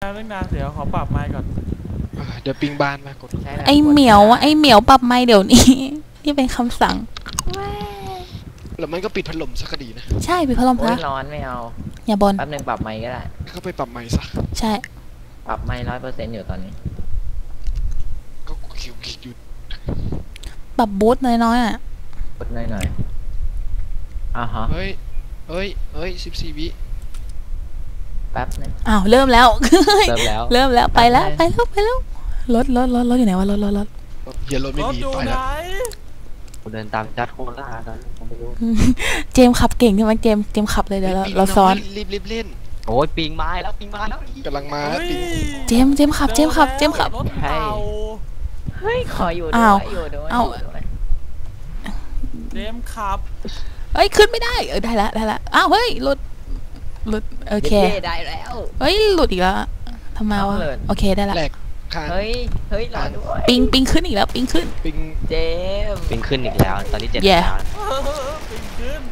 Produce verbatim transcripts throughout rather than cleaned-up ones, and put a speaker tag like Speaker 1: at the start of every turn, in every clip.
Speaker 1: เรื่องนานเดี๋ยวขอปรับไมค์ก่อน
Speaker 2: เดี๋ยวปิงบานมากด
Speaker 3: ไอเหมียวไอเหมียวปรับไมค์เดี๋ยวนี้นี่เป็นคำสั่ง
Speaker 2: แล้วมันก็ปิดพัดลมสักดีนะ
Speaker 3: ใช่ปิดพัดลมซะ
Speaker 4: ร้อนไม่เอา
Speaker 3: อย่าบ่น
Speaker 4: แป๊บนึงปรับไมค์ก็ได้
Speaker 2: ก็ไปปรับไมค์ซะ
Speaker 3: ใช่
Speaker 4: ปรับไมค์ร้อยเปอร์เซ็นต์อยู่ตอนนี้
Speaker 2: ก็คิวคิดอยู่
Speaker 3: ปรับบูทน้อยๆอ่ะ
Speaker 4: บูทน้อยๆอ่ะฮะ
Speaker 2: เฮ้ยเฮ้ยเฮ้ยสิบสี่วิ
Speaker 4: แป๊บนึง
Speaker 3: อ้าวเริ่มแล้ว
Speaker 4: เริ่มแล้ว
Speaker 3: เริ่มแล้วไปแล้วไปแล้วไปแล้วรถรถรถรถอยู่ไหนวะรถรถรถ
Speaker 2: เฮียรถไม่มีไปแล้ว
Speaker 1: กู
Speaker 4: เดินตามจัดโคล่ากันผมไม่รู้
Speaker 3: เจมขับเก่งใช่ไหมเจมเจมขับเลยเดี๋ยวเราซ้อน
Speaker 2: รีบรีบเล่น
Speaker 4: โอ้ยปิงมาแล้วปิงมาแล้ว
Speaker 2: กำลังมาปิง
Speaker 3: เจมเจมขับเจมขับเจมขับ
Speaker 4: เฮ้ยขออยู่ด้วยอยู่ด้วยเอา
Speaker 1: เจมขับ
Speaker 3: เฮ้ยขึ้นไม่ได้เออได้ละได้ละอ้าวเฮ้ยหลุดหลุดโอเค
Speaker 4: ได้แล้ว
Speaker 3: เฮ้ยหลุดอีกแล้วทำไมวะโอเคได้ละ
Speaker 4: เฮ้ยเฮ้ยรอด้วย
Speaker 3: ปิงปิงขึ้นอีกแล้วปิงขึ้น
Speaker 2: ปิง
Speaker 4: เจม
Speaker 5: ปิงขึ้นอีกแล้วตอนนี้เจ็ดแล้ว
Speaker 1: ปิงขึ้น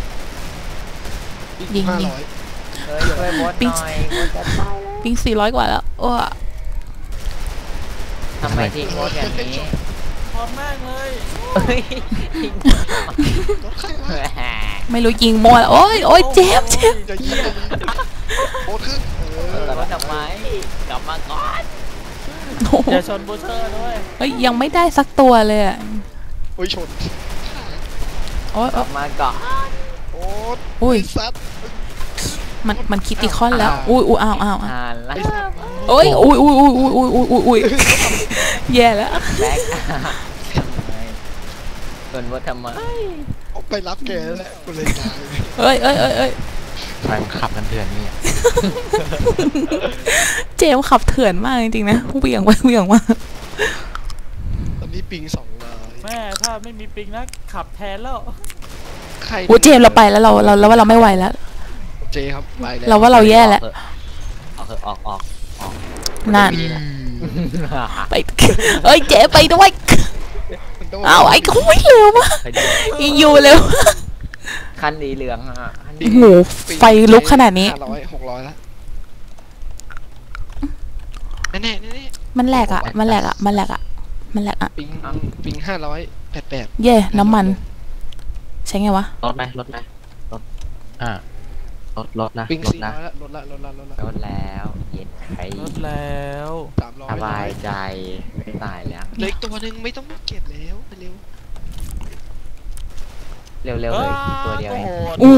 Speaker 3: ยิงยิง
Speaker 4: ปิง
Speaker 3: ปิงสี่ร้อยกว่าแล้วโอ้
Speaker 4: ทำไมทิ้งรถอย่างนี้
Speaker 1: พอดแม่งเลย
Speaker 3: ไม่รู้ยิงมั่วแล้วโอ้ยโอ้ยเจมเจม
Speaker 2: จะยิงโอ้ขึ้น
Speaker 4: แต่ว่าทำไมกลับมาก่อน
Speaker 1: อย่าชนบูเชอร์ด้วย
Speaker 3: เฮ้ยยังไม่ได้สักตัวเลยอ่ะ
Speaker 2: โอ้ยชน
Speaker 3: โอ้ย
Speaker 4: กลับมาก่อน
Speaker 2: โอ้ย
Speaker 3: อุ้ย
Speaker 2: ซัด
Speaker 3: มันมันคิดติคอนแล้วอุ้ยอุ้ยอ้าวอ้าว
Speaker 4: โอ้
Speaker 3: ยอุ้ยอุ้ยอุ้ยอุ้ยอุ้ยอุ้ยอุ้ยอุ้ยแย่แล้ว
Speaker 4: แบ็คชนว่าทำไม
Speaker 2: ไปรับแกแล้วกูเลยตาย
Speaker 3: เอ้ยเอ้ยเอ้ยเอ้ย
Speaker 5: ใครมันขับกันเถื่อนนี่
Speaker 3: เจมขับเถื่อนมากจริงๆนะเบี่ยงไปเบี่ยงมา
Speaker 2: ตอนนี้ปิงสองร้อย
Speaker 1: แม่ถ้าไม่มีปิงนะขับแทนแล้ว
Speaker 2: ใคร
Speaker 3: โอ้เจมเราไปแล้วเราเราแล้วว่าเราไม่ไหวแล้ว
Speaker 2: เจครับไปแล้ว
Speaker 3: เราว่าเราแย่แล้ว
Speaker 5: ออกออกออกออก
Speaker 3: นั่นไปเอ้ยเจไปด้วยอ้าวไอ้เขาไม่เร็วมากอยู่เร็ว
Speaker 4: คันสีเหลืองอ่ะ
Speaker 3: โอ้โหไฟลุกขนาดนี้
Speaker 2: ห้าร้อยหกร้อยแล้วแน่แน่แน่
Speaker 3: มันแหลกอ่ะมันแหลกอ่ะมันแหลกอ่ะมันแหลกอ่ะ
Speaker 2: ปิงปิงห้าร้อยแปดแปด
Speaker 3: เย่น้ำมันใช่ไงวะ
Speaker 5: ลดไหมลดไหมลดอ่าลดลดนะ
Speaker 2: ปิงสี่ร้อยลดละลดละลดละ
Speaker 4: ลดแล้วเย็นใคร
Speaker 1: ลดแล้ว
Speaker 4: สบายใจไม่ตายแล้ว
Speaker 2: เล็กตัวหนึ่งไม่ต้องเก็บแล้วเร็ว
Speaker 4: เร็วเร็วเลยตัวเดียวเอง
Speaker 3: อู้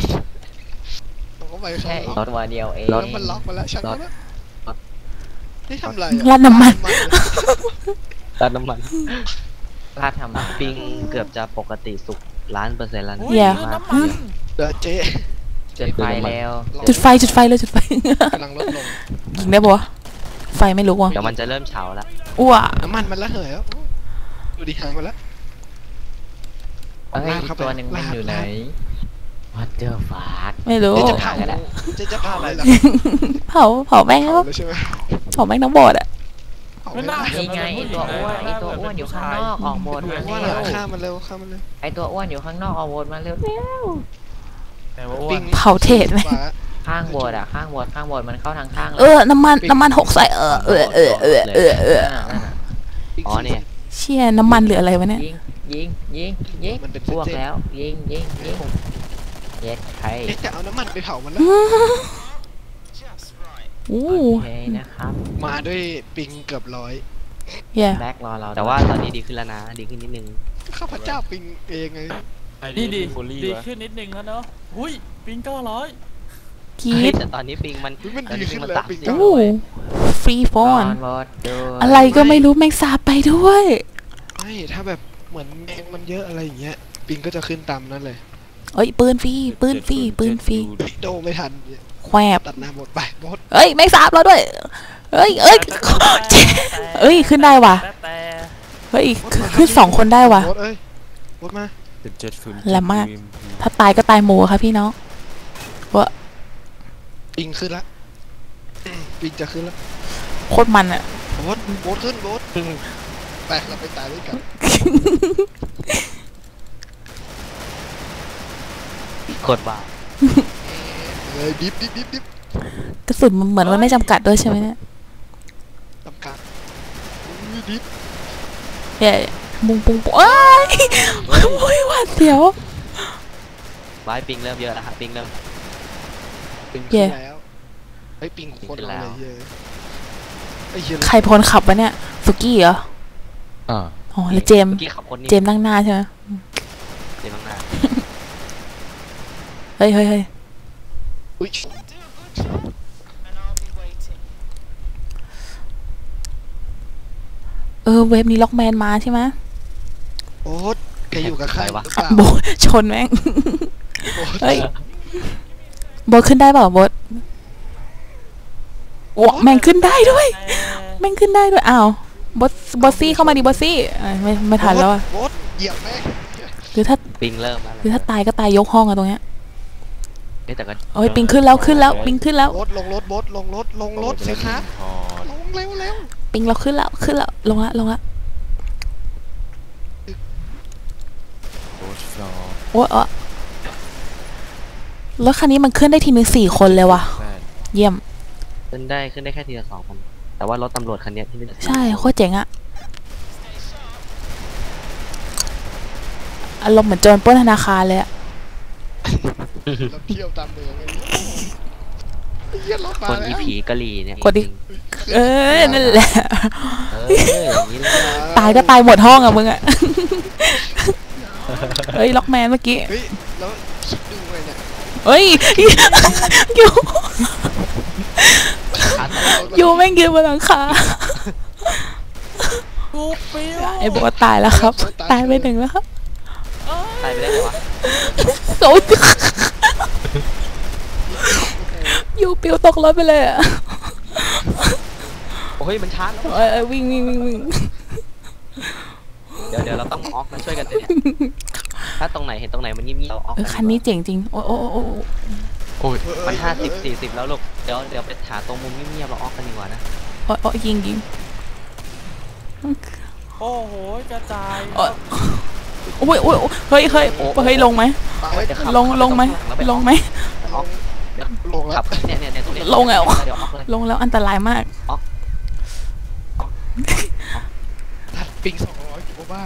Speaker 4: แค่ตัวเดียวเอง
Speaker 2: รถมันล็อกมาแล้วช่างแล้วนี่ทำไร
Speaker 3: ราดน้ำมัน
Speaker 5: ราดน้ำมัน
Speaker 4: ราดทำมัน
Speaker 5: ปิงเกือบจะปกติสุกล้านเปอร์เซ็นต์แล้ว
Speaker 3: เดี๋ยว
Speaker 2: เดี๋ยวเจ๊
Speaker 4: จุดไฟแล้ว
Speaker 3: จุดไฟจุดไฟเลยจุดไฟ
Speaker 2: กำลังลดลง
Speaker 3: ยิงได้ปะไฟไม่ลุกวะ
Speaker 5: เดี๋ยวมันจะเริ่มเฉาแล้ว
Speaker 3: อ้ว
Speaker 2: น้ำมันมันละเหยแล้วดูดิหางมาแล้ว
Speaker 4: เฮ้ยตัวหนึ่งมันอยู่ไหนวัดเจอฟาด
Speaker 3: ไม่รู้
Speaker 2: จะเผาจะจะเผาอะไรล่ะ
Speaker 3: เผาเผาแม่งแล้วเผาแม่งน้องบอดอะ
Speaker 4: นี่ไงไอตัวอ้วนไอตัวอ้วนอยู่ข้างนอกออกโบนมาเร็ว
Speaker 2: ข้ามันเร็วข้ามันเร็ว
Speaker 4: ไอตัวอ้วนอยู่ข้างนอกออกโบนมาเร็วเร็ว
Speaker 3: เผาเทศไหม
Speaker 4: ข้างโบดอะข้างโบดข้างโบดมันเข้าทางข้าง
Speaker 3: เออน้ำมันน้ำมันหกใส่เออเออเออเออเออเออ
Speaker 5: อ๋อเนี่ย
Speaker 3: เชี่ยน้ำมันเหลืออะไรวะเนี่ย
Speaker 4: ยิงยิงยิงยิงพวกแล้วยิงยิงยิงเย็ดใคร
Speaker 2: จะเอาน้ำมันไปเผามันแล้ว
Speaker 3: โอ้
Speaker 4: เคนะครับ
Speaker 2: มาด้วยปิงเกือบร้อย
Speaker 4: แบ็กรอเรา
Speaker 5: แต่ว่าตอนนี้ดีขึ้นแล้วนะดีขึ้นนิดนึง
Speaker 2: ข้าพเจ้าปิงเองไง
Speaker 1: นี่ดีดีขึ้นนิดนึงแล้วเนาะอุ้ยปิงเก้าร้อย
Speaker 3: คิด
Speaker 5: แต่ตอนนี้ปิงมัน
Speaker 2: มันดีขึ้นแล้วปิง
Speaker 3: โอ้ฟรีฟอนอะไรก็ไม่รู้แมงสาบไปด้วย
Speaker 2: ไม่ถ้าแบบเหมือนแมงมันเยอะอะไรอย่างเงี้ยปิงก็จะขึ้นตามนั้นเลย
Speaker 3: เอ้ยปืนฟรีปืนฟรีปืนฟรี
Speaker 2: โดไม่ทัน
Speaker 3: แควบ
Speaker 2: ตัดหน้าหมดไปหมด
Speaker 3: เอ้ยแมงสาบเราด้วยเอ้ยเอ้ยเอ้ยขึ้นได้ว่ะเฮ้ยขึ้นสองคนได้ว่ะ
Speaker 2: เอ้ยหมดมา
Speaker 3: แหลมมากถ้าตายก็ตายหมูค่ะพี่น้องวะ
Speaker 2: ปิงขึ้นละปิงจะขึ้นแล้ว
Speaker 3: โคตรมันอะ
Speaker 2: โบดโบดขึ้นโบดไปเราไปตายด้วยกัน
Speaker 5: โคตรบ้า
Speaker 2: เลยดิบดิบดิบดิบ
Speaker 3: กระสุนมันเหมือนมันไม่จำกัดด้วยใช่ไหมเนี่ย
Speaker 2: จำกัดอุ้ยดิบ
Speaker 3: เย่ปุ้งปุ้งปุ้งเอ้ยโอ้ยหวาดเสียว
Speaker 5: ไว้ปิงเริ่มเยอะแล้วครับปิงเริ่ม
Speaker 2: ปิง
Speaker 3: เย่
Speaker 2: ขึ้นแล้วไอ้ยปิงโคตรเอาเลยเย้ยไอ้เหี้ย
Speaker 3: ใครพลขับวะเนี่ยสุกี้เหรอ
Speaker 5: อ่า
Speaker 3: อ๋อแล้วเจมส์
Speaker 5: เมื่อกี้ขับคนนี้
Speaker 3: เจมส์นั่งหน้าใช่ไหม
Speaker 5: เจมส์ข้างหน้า
Speaker 3: เฮ้ยเฮ้ยเฮ้ย
Speaker 2: อุ้ย
Speaker 3: เออเว็บนี้ล็อกแมนมาใช่ไหม
Speaker 2: โอ๊ตแกอยู่กับใครหรือเปล่า
Speaker 3: โบทชนแม่ง
Speaker 2: โอ๊ต
Speaker 3: เฮ้ยโบทขึ้นได้เปล่าโบทโอ้แม่งขึ้นได้ด้วย แม่งขึ้นได้ด้วยอ้าวบอสบอสซี่เข้ามาดิบอสซี่เอ้ยไม่ไม่ทันแล้วอะ
Speaker 2: โอ๊ตเหยียบแม่ง
Speaker 3: หรือถ้า
Speaker 5: ปิงเริ่มแล้ว
Speaker 3: หรือถ้าตายก็ตายยกห้องอะตรงเนี้ย
Speaker 5: เอ๊ะแต่ก็
Speaker 3: โอ้ยปิงขึ้นแล้วขึ้นแล้วปิงขึ้นแล้ว
Speaker 2: โอ๊ตลงรถโบ๊ทลงรถลงรถสิครับลงเร็วเร็ว
Speaker 3: ปิงเราขึ้นแล้วขึ้นแล้วลงละลงละ
Speaker 1: โอ้ฟลอ
Speaker 3: โอ้ยเออรถคันนี้มันขึ้นได้ทีนึงสี่คนเลยว่ะ
Speaker 1: แปด
Speaker 3: เยี่ยม
Speaker 5: ขึ้นได้ขึ้นได้แค่ทีละสองคนแต่ว่ารถตำรวจคันเนี้ยที่นี่
Speaker 3: ใช่โคตรเจ๋งอะอารมณ์เหมือนโจรปล้นธนาคารเลยอะ
Speaker 2: เราเที่ยวตามเมืองไอ้เหี้ยรถมา
Speaker 5: คน
Speaker 2: แล้
Speaker 5: อี
Speaker 2: ว
Speaker 5: ผีกะหรี่เนี่ย
Speaker 3: กดดิ เออนั่นแหละ
Speaker 5: เอออย่างนี้เลย
Speaker 3: ตายก็ตายหมดห้องอะมึงอะ เฮ้ยล็อกแมนเมื่อกี้
Speaker 2: เฮ้ยแล้วคิดดูไงเนี่ย
Speaker 3: เฮ้ย อยู่อยู่แม่งยืนบนหลังคา
Speaker 1: กูปิ้ว
Speaker 3: ไอ้บอกว่าตายแล้วครับ ตายไปหนึ่งแล้วครับ
Speaker 5: ตายไปได้ไงวะ
Speaker 3: โอ้ยอยู่ปิวตกรถไปเลยอะ
Speaker 5: โอ้ยมันชาร์จแล้ว
Speaker 3: เอ้ยเอ้ยวิ่งวิ่งวิ่งวิ่ง
Speaker 5: เดี๋ยวเดี๋ยวเราต้องออกมาช่วยกันเลยเนี่ยถ้าตรงไหนเห็นตรงไหนมันเงียบๆเราออก
Speaker 3: เออคันนี้เจ๋งจริงโอ้โอ้โอ้โอ้
Speaker 5: โอ้ยมันห้าสิบสี่สิบแล้วลูกเดี๋ยวเดี๋ยวไปหาตรงมุมเงียบๆเราออกกันดีกว่านะ
Speaker 3: โอ้โอ้ยิงยิง
Speaker 1: โอ้โหกระจาย
Speaker 3: โอ้ยโอ้ยโอ้ยเฮ้ยเฮ้ยเฮ้ยลงไหม
Speaker 2: ไป
Speaker 5: เดี๋ยวขับ
Speaker 3: ลงลงไหม
Speaker 5: แล้วป
Speaker 3: ลงไหม
Speaker 5: ออก
Speaker 2: ลงแล้
Speaker 5: ขั
Speaker 2: ว
Speaker 5: บเนี่ยเนี่ยเนี่ยตรงนี้
Speaker 3: ลงแล้ว
Speaker 5: เดี๋ยวออกเลย
Speaker 3: ลงแล้วอันตรายมาก
Speaker 2: ทัดปิงสองร้อยกิโลบ้า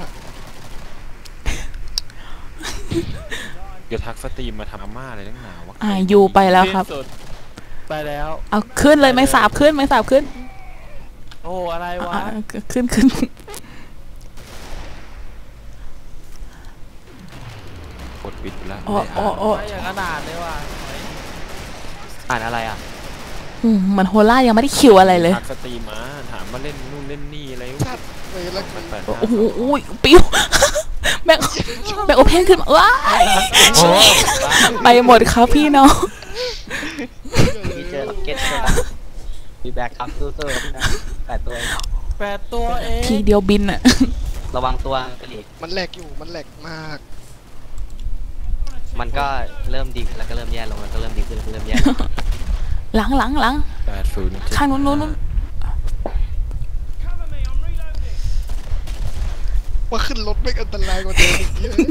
Speaker 1: เดี๋ยวทักสตรีมมาทำอาม่าอะไรตั้งหนาวะ
Speaker 3: อ่ายูไปแล้วครับ
Speaker 1: สุดไปแล้ว
Speaker 3: เอาขึ้นเลยไม่สาบขึ้นไม่สาบขึ้น
Speaker 1: โอ้อะไรวะ
Speaker 3: อ่าขึ้นขึ้น
Speaker 1: กดปิดไปแล้ว
Speaker 3: โอ้โอ้โอ้
Speaker 1: ไม่อย่างขนาดเลยว่ะ
Speaker 5: อ่านอะไรอ่ะ
Speaker 3: อืมเหมันโฮล่ายังไม่ได้คิวอะไรเลย
Speaker 1: ทักสตรีมมาถามมาเล่นนู่นเล่นนี่อะไร
Speaker 2: ทัดไปแล้ว
Speaker 1: มันแปด
Speaker 3: โอ้โหอุ้ยปิ้วแบงแบงโอเพนขึ้นมาว้ายไปหมดครับพี่น้อง
Speaker 5: มีเจอล็อกเก็ตใช่ไหมมีแบ็คคัพสู้ๆครับพี่นะแปดตัวเอง
Speaker 1: แปดตัวเอง
Speaker 3: ทีเดียวบินอะ
Speaker 5: ระวังตัวกระหรี่
Speaker 2: มันแหลกอยู่มันแหลกมาก
Speaker 5: มันก็เริ่มดีขึ้นแล้วก็เริ่มแย่ลงแล้วก็เริ่มดีขึ้นแล้วก็เริ่มแย่ลง
Speaker 3: หลังหลังหลัง
Speaker 1: แปดศูนย์
Speaker 3: ข้างนู้นนู้นนู้น
Speaker 2: ว่าขึ้นรถไม่อันตรายกว่าเดิมอีกเยอะ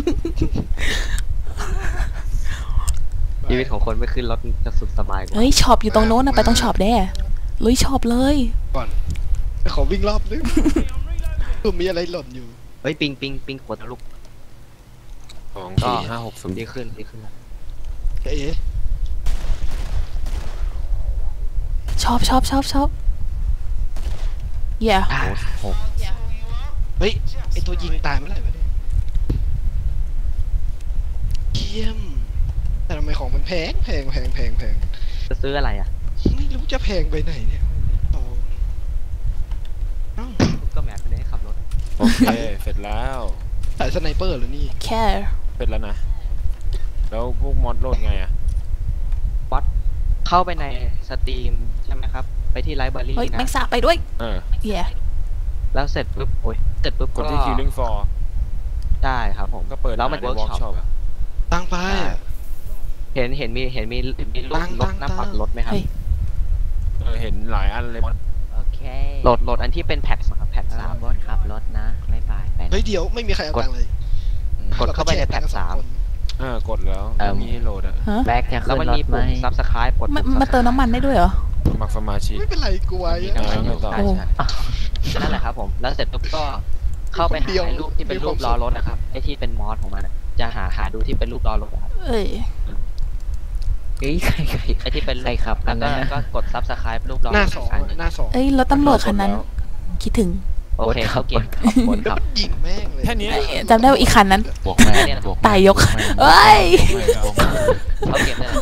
Speaker 5: ชีวิตของคนไม่ขึ้นรถจะสุดสบายกว่า
Speaker 3: เฮ้ยช็อปอยู่ตรงโน้นนะไปตรงช็อปแด้ลุยช็อปเลย
Speaker 2: ก่อนขอวิ่งรอบนึงดูมีอะไรหล่นอยู่
Speaker 5: เฮ้ยปิงปิงปิงขวดลูก
Speaker 1: สองสี่ห้าหกศูนย์
Speaker 5: ดีขึ้นดีขึ้นแล้ว
Speaker 2: เอ๊ะ
Speaker 3: ชอบชอบชอบชอบเย่
Speaker 1: โอ้หก
Speaker 2: เฮ้ยไอตัวยิงตายเมื่อไหร่วะเนี่ยเยี่ยมแต่ทำไมของมันแพงแพงแพงแพงแพง
Speaker 5: จะซื้ออะไรอ่ะ
Speaker 2: ไม่รู้จะแพงไปไหนเนี่ยโอ้เอ้า
Speaker 5: ก็แหมคนนี้ขับรถ
Speaker 1: โอเคเสร็จแล้ว
Speaker 2: สายสไนเปอร์เหรอนี่
Speaker 3: แค่
Speaker 1: เสร็จแล้วนะแล้วพวกมอดโหลดไงอะ
Speaker 5: วัดเข้าไปในสตรีมใช่ไหมครับ ไปที่ไลบรารี
Speaker 3: เฮ้ยแม
Speaker 5: นะ
Speaker 3: งสาบไปด้วย
Speaker 1: เออ
Speaker 3: เย่
Speaker 5: แล้วเสร็จปุ๊บโอ้ยเสร็จปุ๊บ
Speaker 1: ก
Speaker 5: ก็
Speaker 1: ดที่ Killing for
Speaker 5: ได้ครับผม
Speaker 1: ก็เปิด
Speaker 5: แล้วมัน
Speaker 1: ใน
Speaker 5: เวิร์ก
Speaker 1: workshop
Speaker 5: ช็อป
Speaker 1: อะ
Speaker 2: ตั้งไปอะ
Speaker 5: เห็นเห็นมีเห็นมีมีรถ
Speaker 2: ตั้ง
Speaker 5: รถหน้า
Speaker 2: ตั้ง
Speaker 5: ปัดรถไหมครับ
Speaker 3: เฮ้ย
Speaker 1: เออเห็นหลายอันเลยมอด
Speaker 4: โอเค
Speaker 5: โหลดโหลดอันที่เป็นแพทครับแพท
Speaker 4: สา
Speaker 5: สาม ม
Speaker 4: บอสขับรถนะไม่ไปไปนะ
Speaker 2: เฮ้ยเดี๋ยวไม่มีใครเอาตังค์เลย
Speaker 5: กดเข้าไปในแพทสาม
Speaker 6: อ่ากดแล้วมีให้โหลดอ่ะ
Speaker 3: ฮะ
Speaker 4: แบ็คจะ
Speaker 5: แล้ว
Speaker 4: ขึ้
Speaker 5: มัน น
Speaker 4: ร
Speaker 5: มี
Speaker 4: ถไหม
Speaker 5: ปุ่ม subscribe กด
Speaker 3: มัน
Speaker 5: ปุ่ม
Speaker 3: มาเติมน้ำมันได้ด้วยเหรอ
Speaker 6: สมัครสมาชิก
Speaker 2: ไม่เป็นไรกูไว้
Speaker 5: มีน้ำมันอยู่
Speaker 6: ต่อ
Speaker 5: ใช่ใช่นั่นแหละครับผมแล้วเสร็จปุ๊บก็เข้าไปหาไอ้รูปที่เป็นรูปล้อรถนะครับไอ้ที่เป็นมอสของมันอะจะหาหาดูที่เป็นรูปล้อรถนะครับ
Speaker 3: เอ้ย
Speaker 4: เฮ้ยใครใคร
Speaker 5: ไอ้ที่เป็น
Speaker 4: ใครขับกั
Speaker 5: แล้
Speaker 4: น
Speaker 5: วก็
Speaker 4: นะ
Speaker 5: ก็กด subscribe รูปล้อ
Speaker 2: หน้าร
Speaker 5: ถ
Speaker 2: สอง
Speaker 5: อันหนึ่ง
Speaker 2: หน้าสอง
Speaker 3: เอ้ยรถตำรวจคันนั้น คิดถึง
Speaker 5: โอเคเขาเก่ง
Speaker 4: บน
Speaker 2: แล้ว
Speaker 4: ขับ
Speaker 2: มันยิงแม่งเลย
Speaker 6: แค่นี้
Speaker 3: เอ้ยจำได้ว่าอีกคันนั้น
Speaker 4: บวกแม่บวก
Speaker 3: ตายยกเอ้ย
Speaker 5: เขาเกมได้เลย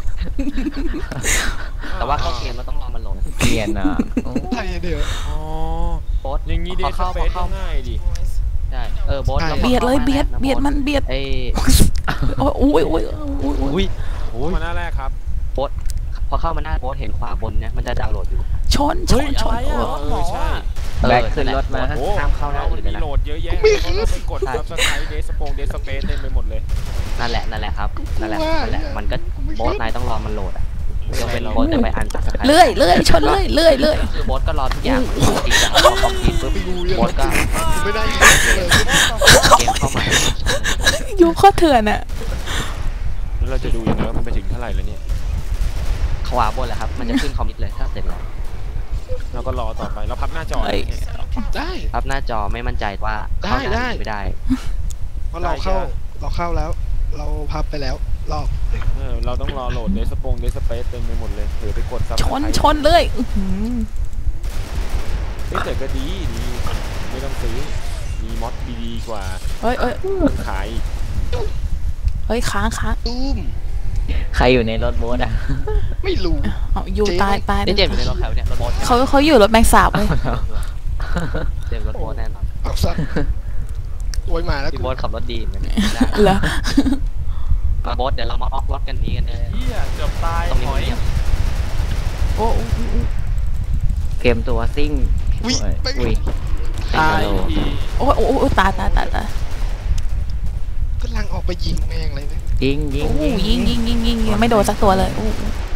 Speaker 5: แต่ว่าเข้าเกมเราต้องรอมันโหลด
Speaker 4: เปลี่ยนอ่ะ
Speaker 2: ไทยเดียว
Speaker 6: อ๋อ
Speaker 5: โบ๊ท
Speaker 6: อย่างนี้เด
Speaker 5: พอ
Speaker 6: ทส
Speaker 5: เข้า
Speaker 6: เป
Speaker 5: พอ
Speaker 6: ซ
Speaker 5: เข้า
Speaker 6: ง่ายดิ
Speaker 5: ใช่เออโบ๊ทรา
Speaker 3: เบียดเลยเบียดเบียดมันเบียด
Speaker 5: ไอ้
Speaker 3: โอ้ยโอ้ยโอ้ยโอ้ยโอ้ย
Speaker 5: อุ้ย
Speaker 6: โอ้มาหน้าแรกครับ
Speaker 5: พอเข้ามาหน้าโบ๊ทเห็นขวาบนเนี่ยมันจะดาวน์โหลดอยู่
Speaker 3: ชนช
Speaker 1: เฮ้ย
Speaker 3: นช
Speaker 1: อะไร
Speaker 3: น
Speaker 1: อ่ะ
Speaker 6: เอ
Speaker 1: หมอ
Speaker 6: อใช่
Speaker 4: แบ็คขึ้นรถมา
Speaker 6: โอ้
Speaker 5: ห้ามเข้าหน้าอื่นเลย
Speaker 6: มี
Speaker 5: นะ
Speaker 6: โหลดเยอะแยะเพราะว่าไปกดซับสไครต์เดสปงเดสเปซเต็มไปหมดเลย
Speaker 5: นั่นแหละนั่นแหละครับนั่นแหละนั่นแหละมันก็โบ๊ทนายต้องรอมันโหลดอ่ะยกเป็นโบ๊ทจะไปอันซับสไครต์
Speaker 3: เลื่อยเลื่อยชนเลื่อยเลื่อยเลื่อย
Speaker 5: คือโบ๊ทก็รอทุกอย่างจริงจังพอคอมพิวปุ๊บ
Speaker 2: ไปดูยัง
Speaker 5: โบ๊ทก็
Speaker 2: ไม่ได้ยิงเลย
Speaker 5: เกมเข้ามา
Speaker 3: ยูโคตรเถื่อนอะ
Speaker 6: แล้วเราจะดูยังไงว่ามันไปถึงเท่าไหร่แล้วเนี่ย
Speaker 5: ขวาบนแหละครับมันจะขึ้นคอมพิวเลยถ้าเสร็จแล้ว
Speaker 6: เราก็รอต่อไปเราพับหน้าจอ
Speaker 3: เอ้ย
Speaker 2: ได้
Speaker 5: ครับหน้าจอไม่มั่นใจว่าเข้า
Speaker 2: ได้
Speaker 5: ไม่ได้
Speaker 2: เพราะเราเข้าเราเข้าแล้ว เราพับไปแล้วรอบ
Speaker 6: เออเราต้องรอโหลดเดสปงเดสเปซเต็มไปหมดเลยเผื่อไปกดซับ
Speaker 3: ชนชนเลื่อยอื้อหือ
Speaker 6: เฮ้ยแต่ก็ดีดีไม่ต้องซื้อมีมอดดีๆกว่า
Speaker 3: เฮ้ยเอ้ย
Speaker 6: ขายอีก
Speaker 3: เฮ้ยค้างค้าง
Speaker 2: ตุ้ม
Speaker 4: ใครอยู่ในรถโบ๊ทอ่ะ
Speaker 2: ไม่รู้
Speaker 3: เอายูตายตาย
Speaker 5: นี่เจมส์อยู่ในรถแถวเนี่ยรถโบ๊ท
Speaker 3: เขาเขาอยู่รถแมงสาบเลย
Speaker 5: เจมส์รถโบ๊ทแน่นอน
Speaker 2: เอาสัตว์โวยมาแล้ว
Speaker 5: พี่
Speaker 2: กู
Speaker 5: โบ๊ทขับรถดีเหมือนกันได้
Speaker 3: เหรอ
Speaker 5: มาโบ๊ทเดี๋ยวเรามาออกรถกันนี้กันเลย
Speaker 1: เฮียเกือบตาย
Speaker 5: ตรงนี้
Speaker 1: หอย
Speaker 5: มันเงียบ
Speaker 3: โอ้โอ้โอ้โอ้
Speaker 4: เกมตัวซิ่ง
Speaker 2: วิ
Speaker 4: โอ้ย
Speaker 2: ไม่
Speaker 4: อุ้ย
Speaker 1: ตาย
Speaker 4: ไอ้กะโหลก
Speaker 1: อีก
Speaker 3: โอ้ยโอ้ยโอ้ยตายตายตายตาย
Speaker 2: กำลังออกไปยิงแม่งเลยนะ
Speaker 4: ยิงยิง
Speaker 3: โอ้
Speaker 4: ยิง
Speaker 3: ยิงยิงยิงยิงยังไม่โดนสักตัวเลยโอ้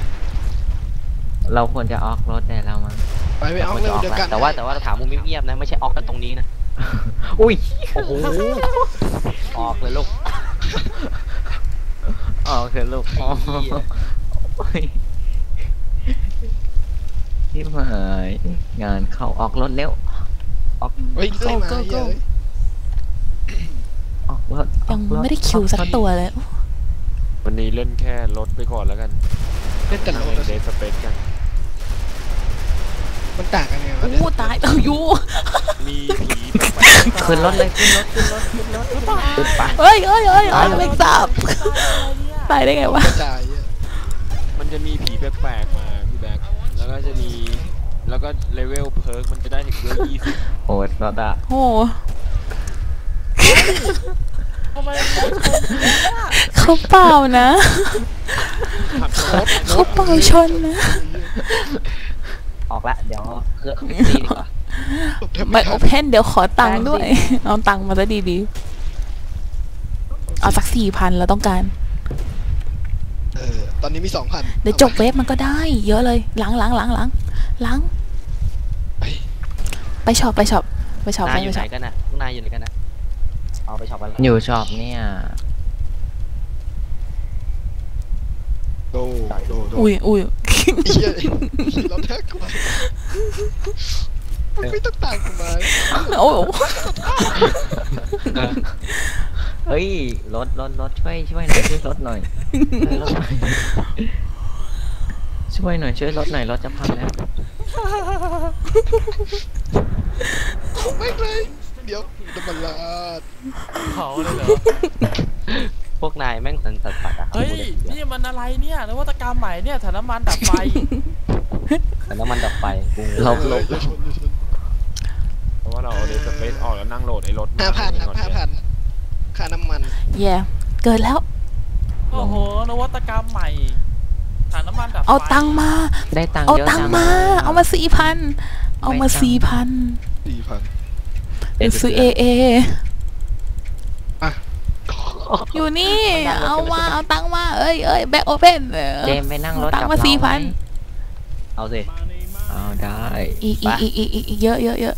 Speaker 4: เราควรจะออกรถแต่เรามัน
Speaker 2: ไปไปเอาเร็วเดียวกัน
Speaker 5: แต่ว่าแต่ว่าเราถามมุมเงียบๆนะไม่ใช่ออกกันตรงนี้นะ
Speaker 4: อุ้ย
Speaker 5: โอ้โหออกเลยลูก
Speaker 4: ออกเถอะลูกอ๋อโอ้ยที่หายงานเข้าออกรถเร็ว
Speaker 2: เฮ้ยเรื่อยมาเยอะ
Speaker 4: ออกรถอ
Speaker 3: ยั
Speaker 4: อง กรถ
Speaker 3: ไม่ได้คิวสักตัวเลย
Speaker 6: วันนี้เล่นแค่รถไปก่อนแล้วกัน
Speaker 2: เล่นแต่รถ
Speaker 6: เดสเปซกัน
Speaker 2: มันต่างกันไงวะ
Speaker 3: โอ้ตายเอ้ายู
Speaker 6: มีผีแปลกๆ
Speaker 4: ขึ้นรถเลยขึ้นรถขึ้นรถขึ้นรถขึ้นไป
Speaker 3: เฮ้ยเฮ้ยเฮ้ยเฮ้ยแมงสาบตายได้ไงวะ
Speaker 2: กระจายเยอะ
Speaker 6: มันจะมีผีแปลกๆมาพี่แบ็คแล้วก็จะมีแล้วก็เลเวลเพิร์กมันจะได้ถึงเลเวลยี่สิบ
Speaker 4: โอ้ยรถอะ
Speaker 3: โอ้
Speaker 1: ทำไมโบ๊ทชนเนี่ย
Speaker 3: เขาเปล่านะ
Speaker 6: ขับรถ
Speaker 3: เขาเปล่าชนนะ
Speaker 5: ออกละเดี๋ยวเครื่องดีดีกว่า
Speaker 3: ไม่โอเพนเดี๋ยวขอตังค์ด้วย เอาตังค์มาซะดีๆเอาสักสี่พันเราต้องการ
Speaker 2: เออตอนนี้มีสองพัน
Speaker 3: เดี๋ยวจบเวฟมันก็ได้ เยอะเลยหลังหลังหลังหลังหลังไปช็อปไปช็อปไปช็อป
Speaker 5: นา
Speaker 3: ไป
Speaker 5: ยอยู่ไห
Speaker 3: ช็
Speaker 5: น
Speaker 3: อป
Speaker 5: กันน่ะนายอยู่ไหนกันน่ะเอาไปช็อปกัน
Speaker 4: อยู่ช็อปเนี่ย
Speaker 2: โดโดโด
Speaker 3: อุ้ยอุ้ย
Speaker 2: เฮียเราแท็กกูมาไม่ต้องต่างกูมา
Speaker 3: โอ้
Speaker 4: เฮ้ยรถรถรถช่วยช่วยหน่อยช่วยรถหน่อยช่วยรถหน่อยช่วยหน่อยช่วยรถหน่อยรถจะพังแล้ว
Speaker 2: ไม่เลยเดี๋ยวน้ำมันลาด
Speaker 1: เผาเลยเหรอ
Speaker 5: พวกนายแม่งสันสัตว์ปัดอะ
Speaker 1: เฮ้ยนี่มันอะไรเนี่ยนวัตกรรมใหม่เนี่ยถังน้ำมันดับไฟ
Speaker 5: แต่น้ำมันดับไฟกู
Speaker 4: หลบหลบ
Speaker 2: อย่าชนอย่าชน
Speaker 6: เพราะว่าเราเอาเดสเปซออกแล้วนั่งโหลดไอ้รถ
Speaker 2: ห้าพันครับห้าพันค่าน้ำมัน
Speaker 3: แย่เกิดแล้ว
Speaker 1: โอ้โหนวัตกรรมใหม่ถังน้ำมันดับไฟ
Speaker 3: เอาตังค์มา
Speaker 4: ได้ตังค์
Speaker 3: เอา
Speaker 4: เยอะ
Speaker 3: ตัง
Speaker 4: จั
Speaker 3: ค์มา เอามาสี่พันเอามาสี่พัน
Speaker 2: สี่พัน
Speaker 3: เดี๋ยวซื้อเอเอ
Speaker 2: อ่ะ
Speaker 3: อยู่นี่ เอามาเอาตังค์มาเอ้ยเอ้ยแบ็คโอเพน
Speaker 4: เจมไปนั่งรถ
Speaker 3: ตัง
Speaker 4: กับ
Speaker 3: ค์มา
Speaker 4: เรา
Speaker 3: สี่
Speaker 4: ไหม
Speaker 3: พัน
Speaker 5: เอาสิ
Speaker 4: เอาได้
Speaker 3: อีกอีกอีกอีกอีกเยอะเยอะเยอะ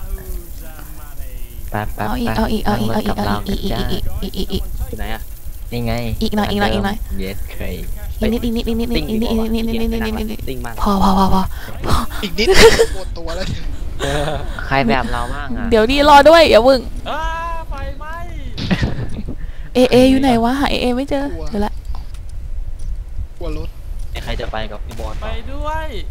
Speaker 4: แป๊บแป๊บ
Speaker 3: เอาอีก
Speaker 4: แป๊บ
Speaker 3: เอาอีกเอาอีกเอาอีก
Speaker 4: นั่งรถ
Speaker 3: เอาอีก
Speaker 4: บ
Speaker 3: อีกอีก
Speaker 4: เรา
Speaker 3: อีกอีกอีกอีก
Speaker 5: อยู่ไหนอะ
Speaker 4: นี่ไง
Speaker 3: อีกหน่อยอีกหน่อยอีกหน่อย
Speaker 4: เย็ดเคย
Speaker 3: อีกนิดอีกนิดอีกนิดอีกนิดอีกนิดอีกนิดอีกนิดอีกนิดอีกนิด
Speaker 5: ติ้งมาก
Speaker 3: พอพอพอพอ
Speaker 2: อีกนิดหมดตัวแล้วเนี่ย
Speaker 4: ใครแบบเราบ้างอ่ะ
Speaker 3: เดี๋ยวดีรอด้วยอย่าเพิ่ง
Speaker 1: อ้าไฟไหม้
Speaker 3: เอเออยู่ไหนวะหาเอเอไม่เจอเดี๋ยวละ
Speaker 2: กลัวรถ
Speaker 5: ใครจะไปกับพี่บอล
Speaker 1: ไปด้วย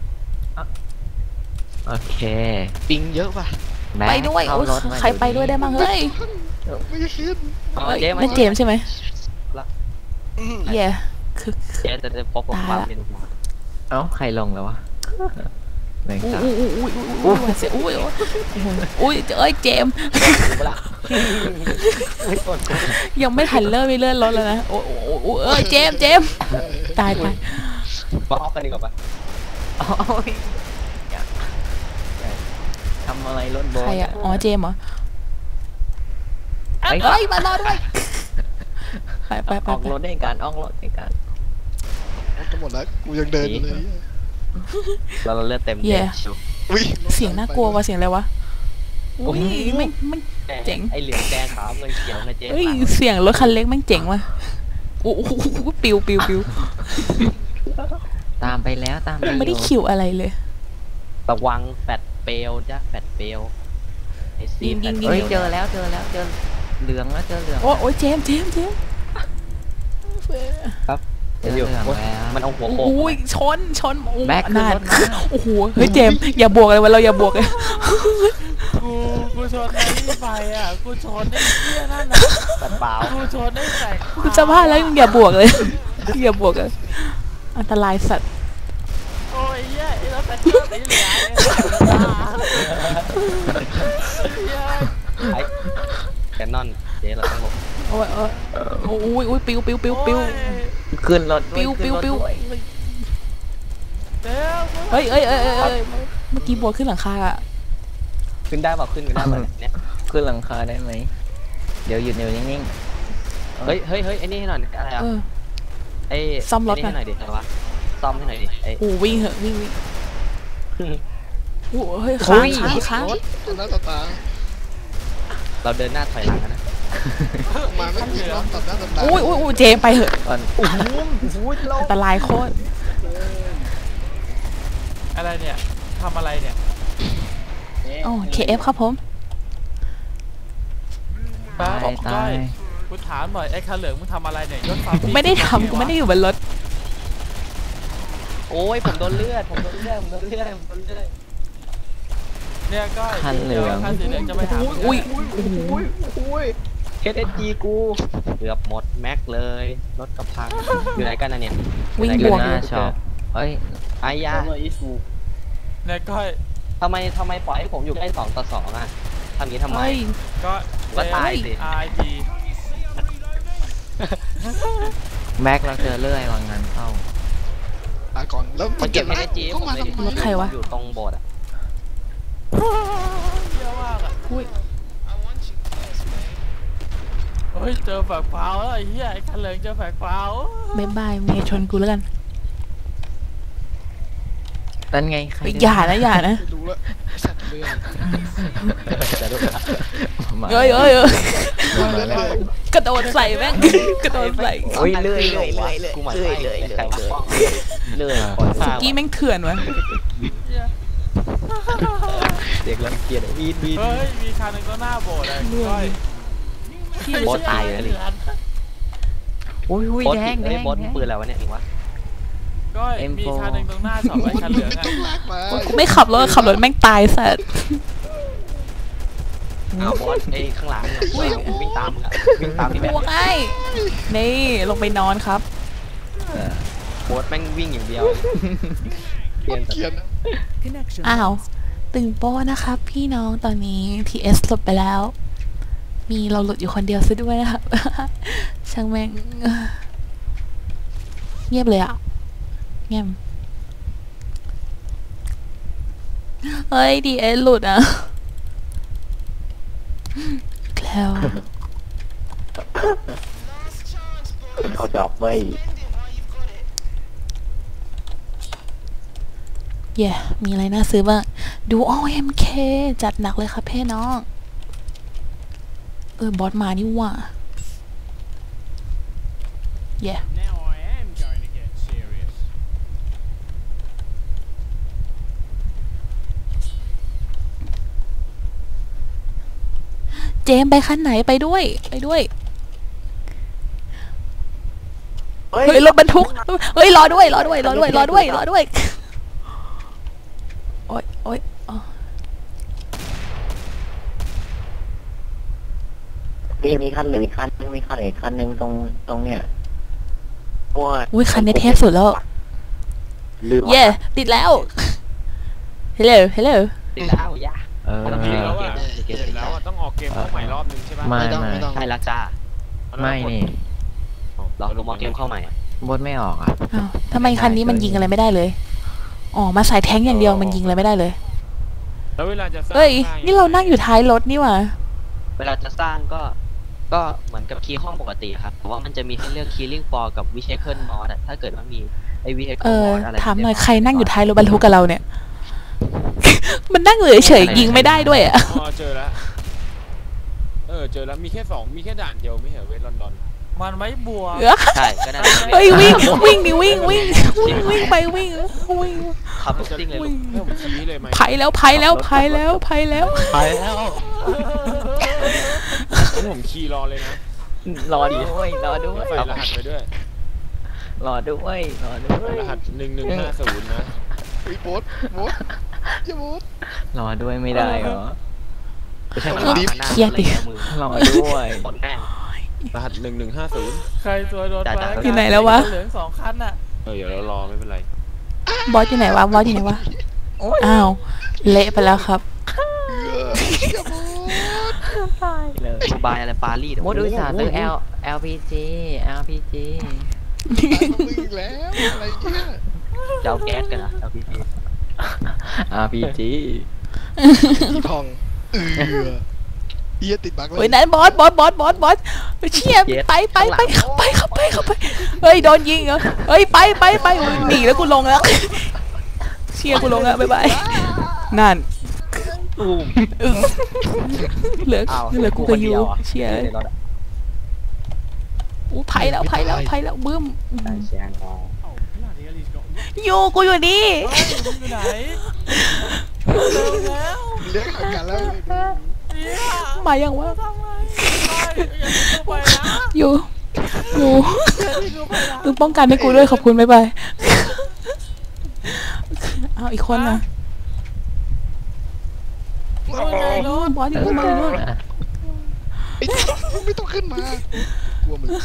Speaker 4: โอเค
Speaker 2: ปิงเยอะป่ะ
Speaker 4: แม็ก
Speaker 3: ไปด้วย
Speaker 4: เข้า
Speaker 3: โอ้ย
Speaker 4: รถมา
Speaker 3: ใครไปด้วยได้บ้างเฮ้ย
Speaker 2: ไม่ขึ้น
Speaker 5: อ๋อ
Speaker 3: เฮ้ย
Speaker 5: เจ๊มา
Speaker 3: นั่นเจมส์ใช่ไหม
Speaker 2: อืม
Speaker 3: เย่คือ
Speaker 5: เจ๊จะจะพบกับความเป็นหัว
Speaker 4: เอ้าใครลงแล้ววะแม่ง
Speaker 3: อุ้ย
Speaker 4: ตา
Speaker 3: อุ้ยอุ้ยอุ้ยอุ้ยเสียอุ้ยอุ้ยอุ้ยเอ้ยเจมส์ยังไม่ทันเริ่มไม่เลื่อนรถแล้วนะโอ้โอ้โอ้เอ้ยเจมส์เจมส์ตายตาย
Speaker 5: มาออกกันดีกว่าปะ
Speaker 4: โอ้ยอย่าอย่าทำอะไรรถโบ
Speaker 3: ใครอะอ๋อเจมส์เหรอ
Speaker 4: เฮ้ย
Speaker 3: เอ้ยมารอด้วยไปไปไป
Speaker 4: ออก
Speaker 3: ไป
Speaker 4: รถได้กันออกรถได้กัน
Speaker 2: จะหมดแล้วกูยังเดินอยู่เลย
Speaker 5: เราเราเลือดเต็มเจ๊ชิว
Speaker 2: อุ้ย
Speaker 3: เสียงน่ากลัวว่ะเสียงอะไรวะอุ้ยไม่ไม่ เจ๋ง
Speaker 5: ไอเหลืองแดงขาวเงินเขียวนะเจ๊
Speaker 3: เอ้ยเสียงรถคันเล็กแม่งเจ๋งว่ะโอ้โหปิวปิวปิว
Speaker 4: ตามไปแล้วตามไป
Speaker 3: ไม่ได้
Speaker 4: อยู่
Speaker 3: ขิวอะไรเลย
Speaker 5: ระวังแฟดเปลวจ้ะแฟดเปลวไอซี
Speaker 3: ยิง
Speaker 5: แฟ
Speaker 3: ยิ
Speaker 5: ด
Speaker 3: ง
Speaker 5: เป
Speaker 3: ยิ
Speaker 5: ล
Speaker 4: เฮ้ยว เจอ
Speaker 5: นะ
Speaker 4: แล้วเจอแล้วเจอเหลืองแล้วเจอเหลือง
Speaker 3: โอ้โอ้ยเจมส์เจมส์เจมส์
Speaker 4: เจอเหลืองแล้ว
Speaker 5: มันเอาหัวโขก
Speaker 3: โอ้ยชนชนโอ้
Speaker 4: แบ็คขึ้น
Speaker 3: นาน
Speaker 4: รถมา
Speaker 3: โอ้โหเฮ้ยเจมส์อย่าบวกเลยวันเราอย่าบวกเลย
Speaker 1: กูกูชนไอ้นี่ไปอ่ะกูชนไอ้เหี้ยนั่นน่ะ
Speaker 5: แฟดเปล่า
Speaker 1: กูชนไอ้แสง
Speaker 3: กูจะพลาดแล้วมึงอย่าบวกเลยอย่าบวกเลยอันตรายสัตว์
Speaker 1: โอ้ยเหี้ยไอ้รถแฟนเจอร์สีเหลืองเนี่ย
Speaker 5: ไอแคนนอนเจ๊เราต้องลง
Speaker 3: โอ้ยโอ้ยโอ้ยโอ้ยปิวปิวปิวปิว
Speaker 4: ขึ้นรถ
Speaker 3: ปิวปิวปิว
Speaker 1: เดี๋ยว
Speaker 3: เฮ้ยเอ้ยเอ้ยเอ้ยเอ้ยเมื่อกี้บวกขึ้นหลังคาอะ
Speaker 5: ขึ้นได้เปล่าขึ้นกันได้เปล่าเนี่ย
Speaker 4: ขึ้นหลังคาได้ไหมเดี๋ยวหยุดเดี๋ยวนิ่ง
Speaker 5: เฮ้ยเฮ้ยเฮ้ยไอ้นี่ให้หน่อยอะไรอ่ะ
Speaker 3: เออ
Speaker 5: ไอ้
Speaker 3: ซ่อมรถ
Speaker 5: ไอ้นี่ให้หน่อยดิอะไรวะซ่อมให้หน่อยดิไอ้
Speaker 3: โอ้วิ่งเหอะวิ่งวิ่งโอ้เฮ้ยค้างค้างค้าง
Speaker 2: ตัวหน้าต่อตา
Speaker 5: เราเดินหน้าถอยหลังกันนะ
Speaker 2: มาไม่มีรถตัดหน้าตัดตา
Speaker 3: โอ้ยโอ้ยโอ้ยเจมไปเหอะ
Speaker 4: ๆก่อน
Speaker 3: อันตรายโคตร
Speaker 1: อะไรเนี่ยทำอะไรเนี่ย
Speaker 3: โอ้เคเอฟครับผม
Speaker 1: ป้า
Speaker 4: ตาย
Speaker 1: บอก
Speaker 4: ตา
Speaker 1: ก้อย
Speaker 4: ย
Speaker 1: กูถามหน่อยไอ้คันเหลืองมึงทำอะไรเนี่ยยศความ
Speaker 3: กูไม่ได้ทำกูไม่ได้อยู่บนรถ
Speaker 5: โอ้ยผมโดนเลือดผมโดนเลือดผมโดนเลือดผมโดนเลือด
Speaker 1: เนี่ยก้อย
Speaker 4: คันเหลือง
Speaker 1: คันสีเหลืองจะไปหามึง
Speaker 3: อุ้ย
Speaker 5: เอสเอสจีกูเกือบหมดแม็กเลยรถกระพังอยู่ไหนกันนะเนี่ย
Speaker 3: วิ่ง
Speaker 5: อยู่
Speaker 3: บวก
Speaker 5: ไหน
Speaker 4: ห
Speaker 5: กั
Speaker 4: น้าน ช็อปเฮ้ย
Speaker 5: ไอ้ยา
Speaker 1: เนี่ยก้อย
Speaker 5: ทำไมทำไมปล่อยให้ผมอยู่ใกล้สองต่อสองอ่ะทำอย่างนี้ทำไม
Speaker 3: เฮ้ย
Speaker 1: ก็
Speaker 5: ก็ตายสิ
Speaker 1: ไอที
Speaker 4: แม็กเราเจอเลื่อยวางงานเข้า
Speaker 2: ตาก่อนแล้ว
Speaker 5: มันเก็บ
Speaker 2: นะ
Speaker 5: เอสจี
Speaker 2: เข้ามาทำไม
Speaker 3: รถใครวะ
Speaker 5: อยู่ตรงโบสถ์อ่ะ
Speaker 1: เยอะมากอ่ะ
Speaker 3: อุ้ย
Speaker 1: เฮ้ยเจอแฝกเปล่าแล้วไอ้เหี้ยไอ้คันเหลืองเจอแฝกเปล่า
Speaker 3: บายบายเมย์ชนกูแล้วกัน
Speaker 4: นั่นไงใคร
Speaker 3: เฮ้ยอย่านะอย่านะ
Speaker 2: ดูแล้วสัตว์เรือ
Speaker 4: มา
Speaker 3: เอ้ยเอ้ยเอ้ย
Speaker 2: มาแล้ว
Speaker 3: กระโดดใส่แม่งกระโดดใส่
Speaker 4: โอ้ยเลื่อยเลื่อยเลื่อยเลื่อย
Speaker 5: กูหมาย
Speaker 4: เลื่อย
Speaker 5: เล
Speaker 4: เลื่อย
Speaker 5: ย
Speaker 4: เลื่อย
Speaker 5: ใครวะ
Speaker 4: เลื่อย
Speaker 3: สกี้แม่งเถื่อนวะ
Speaker 5: เด็กรังเกียจวีดวีด
Speaker 1: เฮ้ยมีคันหนึ่งก็หน้าโบสถ์เลยก้อย
Speaker 5: โบสตายเลยดิ
Speaker 4: อุ้ยอุ้ย
Speaker 5: โบส
Speaker 4: แดงแด
Speaker 5: เฮ้ย
Speaker 4: ง
Speaker 5: โบสปืนอะไรวะเนี่ยเองวะ
Speaker 1: ก้อย
Speaker 4: เอ็มโฟ
Speaker 1: มีคันหนึ่งตรงหน้าช็อปไอ้คันเหลืองอ่ะ
Speaker 2: ต้องลากมา
Speaker 3: กูไม่ขับรถขับรถแม่งตายสัตว์
Speaker 5: อ้าวโบสไอ้ข้างหลังเนี่ยวิ่งตามมึงอะวิ่งตามที่แบบ
Speaker 3: บวกไอ้นี่ลงไปนอนครับ
Speaker 5: โบสแม่งวิ่งอย่างเดียวเปลี่ยน
Speaker 2: เขียน
Speaker 3: อ้าวตึงโป้นะครับ พี่น้องตอนนี้ ที เอส หลุดไปแล้ว มีเราหลุดอยู่คนเดียวซะด้วยนะครับ ช่างแม่งเงียบเลยอ่ะเงียบเฮ้ย ที เอส หลุดอ่ะแล้ว
Speaker 4: เขาจับไว้
Speaker 3: เย่มีอะไรน่าซื้อบ้างดูอ้อ เอ็ม เค จัดหนักเลยครับเพ่น้องเออบอสมานี่หว่า yeah
Speaker 1: Now I am going to get serious.
Speaker 3: เจมส์ไปคันไหนไปด้วยไปด้วยเฮ้ยรถบรรทุกเฮ้ยรอด้วยรอด้วยรอด้วยรอด้วยรอด้วยโอ๊ยโอ๊ยอ๋อ
Speaker 7: มีมีคันเหลืออีกคันนึงมีคันเหลืออีกคันนึงตรงตรงเนี้ยโอ้ย
Speaker 3: อุ้ยคันนี้เทพสุดแล้ว
Speaker 7: ลืม
Speaker 3: เย่ติดแล้ว hello hello
Speaker 5: ติดแล้วย่า
Speaker 4: เออ
Speaker 6: เสร็จแล้วอ่ะ
Speaker 5: เกม
Speaker 6: เสร็จแล้วอ่ะต้องออกเกมเข้าใหม่รอบนึงใช่ปะ
Speaker 4: ไม่
Speaker 2: ไม่ต้อง
Speaker 4: ไม่
Speaker 2: ไม่ต้อง
Speaker 5: ใช่แล้วจ้า
Speaker 4: ไม่นี่
Speaker 5: เราลงมาเกมเข้าใหม่
Speaker 4: บดไม่ออกอ่ะ
Speaker 3: อ้าวทำไมคันนี้มันยิงอะไรไม่ได้เลยอ๋อมาใส่แท้งอย่างเดียวมันยิงอะไรไม่ได้เลย
Speaker 6: แล้วเวลาจะสร้าง
Speaker 3: เอ้ย
Speaker 6: ได้
Speaker 3: นี่เรานั่งอยู่ท้ายรถนี่หว่า
Speaker 5: เวลาจะสร้างก็ ก็เหมือนกับคีย์ห้องปกติครับแต่ว่ามันจะมีให้เลือก Killing Floor กับ Vehicle Mod อะถ้าเกิดว่ามีไอ้ Vehicle
Speaker 3: เออ
Speaker 5: Mod อะไร
Speaker 3: ถามหน่อยใครนั่งอยู่ท้ายรถบรรทุกกับเราเนี่ย มันนั่งเฉยๆยิงไม่ได้ด้วยอ่ะ
Speaker 6: อ๋อเจอแล้วเออเจอแล้วมีแค่สองมีแค่ด่านเดียวไม่เหรอเวทลอนดอน
Speaker 1: มันไม่บวก
Speaker 5: ใช่ก็นั่นแหละ
Speaker 3: เฮ้ยวิ่งวิ่งดิวิ่งวิ่งวิ่งวิ่งไปวิ่งวิ่ง
Speaker 5: ขับรถซิ่งเลยลูก
Speaker 6: ให้ผมชี้เลยไหม
Speaker 3: ไผ่แล้วไผ่แล้วไผ่แล้วไผ่แล้ว
Speaker 1: ไปแล้ว
Speaker 6: ให้ผมขี่รอเลยนะ
Speaker 4: รอด้วยรอด้วย
Speaker 6: ใส่รหัสไปด้วย
Speaker 4: รอด้วยรอด้วย
Speaker 6: รหัสหนึ่งหนึ่งห้าศูนย์นะ
Speaker 2: ไอ้โบ๊ทโบ๊ทอย่าโบ๊ท
Speaker 4: รอด้วยไม่ได้เหรอ
Speaker 5: ไม่ใช่ว่า
Speaker 2: ดิฟ
Speaker 5: ข้างหน้า
Speaker 3: เครียดดิ
Speaker 5: มือ
Speaker 4: รอด้วย
Speaker 5: กดแม่ง
Speaker 6: รหัสหนึ่งหนึ่งห้าศูนย์
Speaker 1: ใครตัวโดน
Speaker 5: จ่าย
Speaker 1: มา
Speaker 5: จ่าย
Speaker 3: อยู่ไหนแล้ววะ
Speaker 1: เหลืองสองคันน่ะ
Speaker 6: เออเดี๋ยวเรารอไม่เป็นไร
Speaker 3: บอสอยู่ไหนวะบอสอยู่ไหนวะอ้าวเละไปแล้วครับ
Speaker 2: อย่าโบ๊ท
Speaker 4: เลย
Speaker 5: ดูบายอะไรปารีส
Speaker 4: มดอุตส่าห์ซื้อ L LPG LPG
Speaker 2: ตายของมึงอีกแล้วอะไรเนี่ย
Speaker 5: จะเอาแก๊สกันนะเอาพีพี
Speaker 4: RPG
Speaker 2: อีพองเออเอียติดบั๊กเล
Speaker 3: เฮ้ย
Speaker 2: ย
Speaker 3: นั่นบอสบอสบอสบอสบอสเชี่ยไปไปไปเข้าไปเข้าไปเข้าไปเฮ้ยโดนยิงเหรอเฮ้ยไปไปไปหนีแล้วกูลงแล้วเชี่ยกูลงแล้วบ๊ายบายนั่น
Speaker 5: ตูม
Speaker 3: เหลือ
Speaker 5: อ้าว
Speaker 3: เหลือกูกับยูเชี่ย
Speaker 5: ในรถอะ
Speaker 3: อู้ไผ่แล้วไผ่แล้วไผ่แล้วบึ้ม
Speaker 5: ใช่แชงรอ
Speaker 3: ยูกูอยู่นี่
Speaker 1: เฮ้ยมึงอยู่ไหนเร็วแล้ว
Speaker 2: เลี้ยงห่างกันแล้ว
Speaker 1: เนี่ย
Speaker 3: มายังวะ
Speaker 1: ทำไมไปอย่าทิ้งกูไปนะ
Speaker 3: ยูยู
Speaker 1: อย่าทิ้งกูไปนะ
Speaker 3: มึงป้องกันให้กูด้วยขอบคุณบ๊ายบายเอาอีกคนนะ
Speaker 1: ว่าไงโน้ต
Speaker 3: บอสอยู่นู่นบอสอยู่นู่น
Speaker 2: ไอ้มึงไม่ต้องขึ้นมากลัวมึง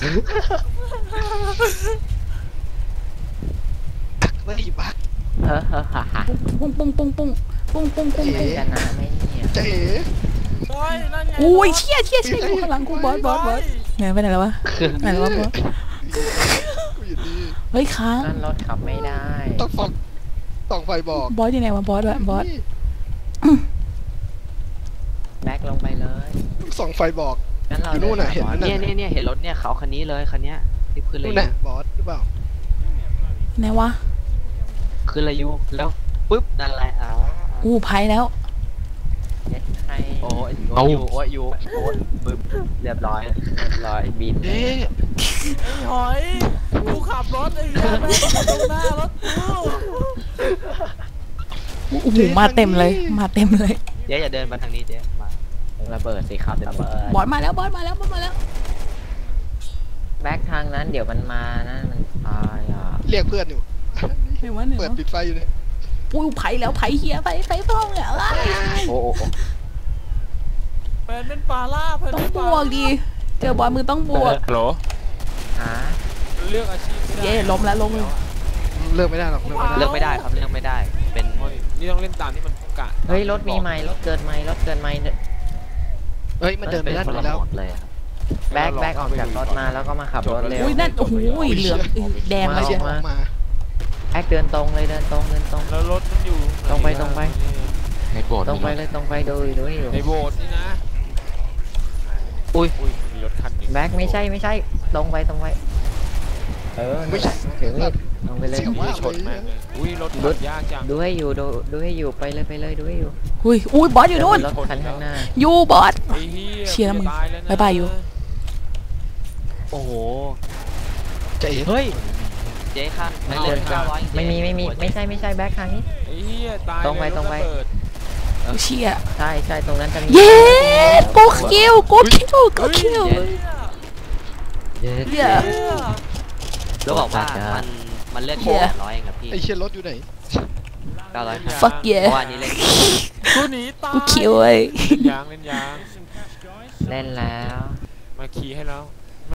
Speaker 2: ไม่บั๊ก
Speaker 4: เฮ้อเฮ้อฮ่าฮ่า
Speaker 3: ปุ้งปุ้งปุ้งปุ้งปุ้งปุ้งปุ้ง
Speaker 4: ชนะไหมเนี่ย
Speaker 2: เจ๊
Speaker 1: เฮ้ยนั่นไง
Speaker 3: อุ้ยเชี่ยเชี่ยเชี่ยกูข้างหลังกูบอสบอสบอสไหนไปไหนแล้ววะไหนแล้ววะบอส
Speaker 2: กูอยู่นี่
Speaker 3: เฮ้ยค้าง
Speaker 4: นั่นรถขับไม่ได้
Speaker 2: ต้องฟังต้องไฟบอก
Speaker 3: บอสอยู่ไหนวะบอสวะบอส
Speaker 4: แบ็คลงไปเลย
Speaker 2: ส่องไฟบอก
Speaker 4: งั้นเรา
Speaker 2: อยู่นู่นน่ะเห็นไหม
Speaker 5: เนี่ยเนี่ยเนี่ยเห็นรถเนี่ยเขาคันนี้เลยคันเนี้ยที่ขึ้นเลย
Speaker 2: นู่นน่ะบอสหรือเปล่า
Speaker 3: ไหนวะ
Speaker 5: ขึ้นเลยยูแล้วปุ๊บนั่นแหละอ่า
Speaker 3: อู้ไพ่แล้ว
Speaker 4: เน็ตไทย
Speaker 5: โอ้ยโอ้ยยูโอ้ยยูโอ้ยบึ้มเรียบร้อยเรียบร้อยบิน
Speaker 2: เอ๊ะ
Speaker 1: ไอ้หอยกูขับรถไอ้เหี้ยแม่งมาตรงหน้ารถกู
Speaker 3: โอ้โหมาเต็มเลยมาเต็มเลย
Speaker 5: เจ๊อย่าเดินมาทางนี้เจ๊มา
Speaker 4: ระเบิดสิครับระเบิด
Speaker 3: บอสมาแล้วบอสมาแล้วบอสมาแล้ว
Speaker 4: แบ็คทางนั้นเดี๋ยวมันมานะมันตายอ่ะ
Speaker 2: เรียกเพื่อนอยู่
Speaker 3: ไหนวะไหน
Speaker 2: เปิด
Speaker 3: วะ
Speaker 2: ปิดไฟอยู่เนี่ย
Speaker 3: อู้ไพ่แล้วไพ่เฮียไพ่ไพ่พ้องเนี่ย
Speaker 5: โอ้โห
Speaker 1: เป็นเป็นปลาล่าเป็น
Speaker 3: ต้อง
Speaker 1: เป็น
Speaker 3: บ
Speaker 1: ปลาว
Speaker 3: กดีเจอบอสมือต้องบวก
Speaker 6: ฮัลโหล
Speaker 4: หา
Speaker 6: เลือกอาชีพไม่ได้
Speaker 3: เย่ล้มแล้วล้มเลย
Speaker 2: เลิกไม่ได้หรอกเลิกไม่ได้
Speaker 5: เลือกไม่ได้ครับเลือกไม่ได้เป็น
Speaker 6: โอ้ยนี่ต้องเล่นตามที่มันประกาศ
Speaker 4: เฮ้ยรถมีไหมรถเกินไหมรถเกินไหม
Speaker 2: เฮ้ยมันเดินไป
Speaker 5: เป็น
Speaker 2: ด้าน
Speaker 5: คน
Speaker 2: นู้
Speaker 5: ละ
Speaker 2: นแล้ว
Speaker 5: หมดเลยครับ
Speaker 4: แบ็คแบ็คออกจากรถมาแล้วก็มาขับรถเร็ว
Speaker 3: อุ้ยนั่นโอ้โหเหลืองแดง
Speaker 2: มา
Speaker 3: เลย
Speaker 2: เชีย
Speaker 3: เชียว
Speaker 2: ออกมา
Speaker 4: แบ็คเดินตรงเลยเดินตรงเดินตรง
Speaker 6: แล้วรถมันอยู่
Speaker 4: ตรงไปตรงไป
Speaker 6: ในโบสถ์
Speaker 4: ตรงไปเลยตรงไปดูดูอยู่
Speaker 6: ในโบสถ์นี่นะ
Speaker 5: อุ้ย
Speaker 6: อุ้ยมีรถคันหนึง
Speaker 4: แบ็คไม่ใช่ไม่ใช่ตรงไปตรงไปเออ
Speaker 2: ไม่ใช่
Speaker 4: ถึงนี่ตรงไปเลย
Speaker 2: เสียว
Speaker 6: อุ้
Speaker 2: มาย ก
Speaker 6: ชนแม่งเลยอุ้ยรถ
Speaker 4: รถ
Speaker 6: ยากจัง
Speaker 4: ดูให้อยู่ดูดูให้อยู่ไปเลยไปเลยดูให้อยู่
Speaker 3: อุ้ยอุ้ยบอสอยู่นู่น
Speaker 4: รถคันข้างหน้า
Speaker 3: ยูบอส
Speaker 6: ไอ้เหี้ย
Speaker 3: เชียร์มึง
Speaker 6: กูจะตาแล้วนะ
Speaker 3: บ๊ายบายอยู่
Speaker 5: โอ้โห
Speaker 2: จะเอ๋
Speaker 4: เฮ้ย
Speaker 5: เจ๊ค่ะมัน
Speaker 4: เอา
Speaker 5: เลือด
Speaker 4: เลย
Speaker 5: เก้าร้อย
Speaker 4: ไม่มีไม่มีไม่ใช่ไม่ใช่แบ็คทางนี้
Speaker 6: ไอ้เหี้ยตาย
Speaker 4: ตรงไป
Speaker 6: เลย
Speaker 4: ตรงไป
Speaker 6: ถะเบิด
Speaker 3: เชี่ย
Speaker 4: ใช่ใช่ตรงนั้นจะมี
Speaker 3: เย้กูคิวกูคิวกูคิว
Speaker 4: เย้
Speaker 3: เหี้ย
Speaker 5: แล้วบอกว่ามันมันเลือดแค่แปดร้อยเองครับพี่
Speaker 2: ไอเชียรถอยู่ไหน
Speaker 5: เก้าร้อย
Speaker 3: ฟักเย่
Speaker 5: เพราะว่าอันนี้เล่น
Speaker 1: กูหนีตาย
Speaker 3: กูคิวไอ้
Speaker 6: เล่นยางเล่นยาง
Speaker 4: เล่นแล้ว
Speaker 6: มาขี่ให้แล้ว